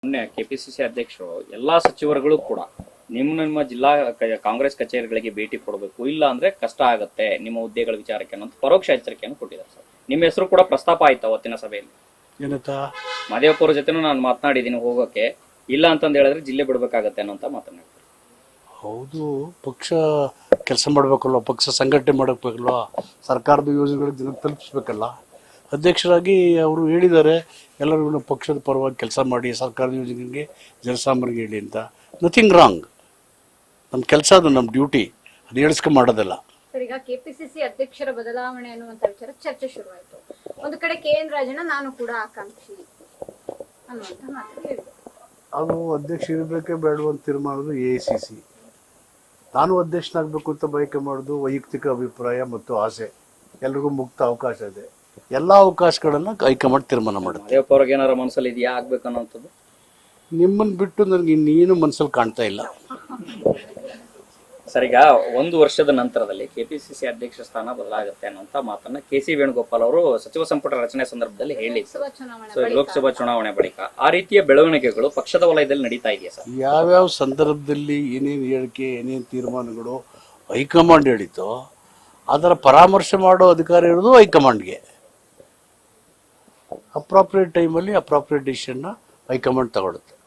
ಮೊನ್ನೆ ಕೆಪಿಸಿಸಿ ಅಧ್ಯಕ್ಷರು ಎಲ್ಲಾ ಸಚಿವರುಗಳು ಕೂಡ ನಿಮ್ಮ ಜಿಲ್ಲಾ ಕಾಂಗ್ರೆಸ್ ಕಚೇರಿಗಳಿಗೆ ಭೇಟಿ ಕೊಡಬೇಕು, ಇಲ್ಲ ಅಂದ್ರೆ ಕಷ್ಟ ಆಗುತ್ತೆ ನಿಮ್ಮ ಹುದ್ದೆಗಳ ವಿಚಾರಕ್ಕೆ ಅನ್ನೋ ಪರೋಕ್ಷ ಎಚ್ಚರಿಕೆಯನ್ನು ಕೊಟ್ಟಿದ್ದಾರೆ ಸರ್. ನಿಮ್ಮ ಹೆಸರು ಕೂಡ ಪ್ರಸ್ತಾಪ ಆಯ್ತು ಅವತ್ತಿನ ಸಭೆಯಲ್ಲಿ. ಏನಂತ ಮಾದೇವಪ್ಪ ಅವ್ರ ಜೊತೆನೂ ನಾನು ಮಾತನಾಡಿದ್ದೀನಿ ಹೋಗೋಕೆ, ಇಲ್ಲ ಅಂತಂದು ಹೇಳಿದ್ರೆ ಜಿಲ್ಲೆ ಬಿಡ್ಬೇಕಾಗತ್ತೆ ಅನ್ನೋ ಮಾತನಾಡ್ತಾರೆ. ಹೌದು, ಪಕ್ಷ ಕೆಲಸ ಮಾಡಬೇಕಲ್ವ, ಪಕ್ಷ ಸಂಘಟನೆ ಮಾಡಬೇಕಲ್ವ, ಸರ್ಕಾರದ ಯೋಜನೆಗಳಿಗೆ ಜನ ತಲುಪಿಸ್ಬೇಕಲ್ಲ. ಅಧ್ಯಕ್ಷರಾಗಿ ಅವರು ಹೇಳಿದ್ದಾರೆ ಎಲ್ಲರಿಗೂ ಪಕ್ಷದ ಪರವಾಗಿ ಕೆಲಸ ಮಾಡಿ ಸರ್ಕಾರದ ಯೋಜನೆಗೆ ಜನಸಾಮಾನ್ಯರಿಗೆ ಹೇಳಿ ಅಂತ. ನಥಿಂಗ್ ರಾಂಗ್, ನಮ್ಮ ಕೆಲಸ ಅದು, ನಮ್ಮ ಡ್ಯೂಟಿ, ಅದು ಹೇಳಿಸ್ಕೊಂಡು ಮಾಡೋದಲ್ಲ. ಸರ್, ಈಗ ಕೆಪಿಸಿಸಿ ಅಧ್ಯಕ್ಷರ ಬದಲಾವಣೆ ಅನ್ನುವಂತ ವಿಚಾರ ಚರ್ಚೆ ಶುರುವಾಯಿತು. ಒಂದು ಕಡೆ KN ರಾಜಣ್ಣ ನಾನು ಕೂಡ ಆಕಾಂಕ್ಷಿ ಅನ್ನುವಂತ ಮಾತು ಹೇಳಿದ್ರು. ಅದು ಅಧ್ಯಕ್ಷ ಇರಬೇಕೇ ಬೇಡವಂತ ತೀರ್ಮಾನದು AICC. ನಾನು ಅಧ್ಯಕ್ಷನಾಗಬೇಕು ಅಂತ ಬಯಕೆ ಮಾಡೋದು ವೈಯಕ್ತಿಕ ಅಭಿಪ್ರಾಯ ಮತ್ತು ಆಸೆ. ಎಲ್ರಿಗೂ ಮುಕ್ತ ಅವಕಾಶ ಇದೆ, ಎಲ್ಲ ಅವಕಾಶಗಳನ್ನ ಹೈಕಮಾಂಡ್ ತೀರ್ಮಾನ ಮಾಡುತ್ತೆ. ಮಾದೇವಪ್ಪ ಅವ್ರಿಗೆ ಏನಾರ ಮನಸ್ಸಲ್ಲಿ ಇದೆಯಾ ಆಗ್ಬೇಕನ್ನೋಂಥದ್ದು? ನಿಮ್ಮನ್ನು ಬಿಟ್ಟು ನನಗೆ ಇನ್ನೇನು ಮನಸ್ಸಲ್ಲಿ ಕಾಣ್ತಾ ಇಲ್ಲ. ಸರ್, ಈಗ 1 ವರ್ಷದ ನಂತರದಲ್ಲಿ ಕೆಪಿಸಿಸಿ ಅಧ್ಯಕ್ಷ ಸ್ಥಾನ ಬದಲಾಗುತ್ತೆ ಅನ್ನೋಂಥ ಮಾತನ್ನ KC ವೇಣುಗೋಪಾಲ್ ಅವರು ಸಚಿವ ಸಂಪುಟ ರಚನೆ ಸಂದರ್ಭದಲ್ಲಿ ಹೇಳಿದ್ರು. ಲೋಕಸಭಾ ಚುನಾವಣೆ ಬಳಿಕ ಆ ರೀತಿಯ ಬೆಳವಣಿಗೆಗಳು ಪಕ್ಷದ ವಲಯದಲ್ಲಿ ನಡೀತಾ ಇದೆಯಾ ಸರ್? ಯಾವ್ಯಾವ ಸಂದರ್ಭದಲ್ಲಿ ಏನೇನು ಹೇಳಿಕೆ, ಏನೇನು ತೀರ್ಮಾನಗಳು ಹೈಕಮಾಂಡ್ ಹೇಳಿತೋ ಅದರ ಪರಾಮರ್ಶೆ ಮಾಡೋ ಅಧಿಕಾರ ಇರೋದು ಹೈಕಮಾಂಡ್ಗೆ. ಅಪ್ರಾಪ್ರಿಯೇಟ್ ಟೈಮಲ್ಲಿ ಅಪ್ರಾಪ್ರಿಯೇಟ್ ಡಿಸಿಷನ್ನ ಹೈಕಮಾಂಡ್ ತಗೊಳುತ್ತೆ.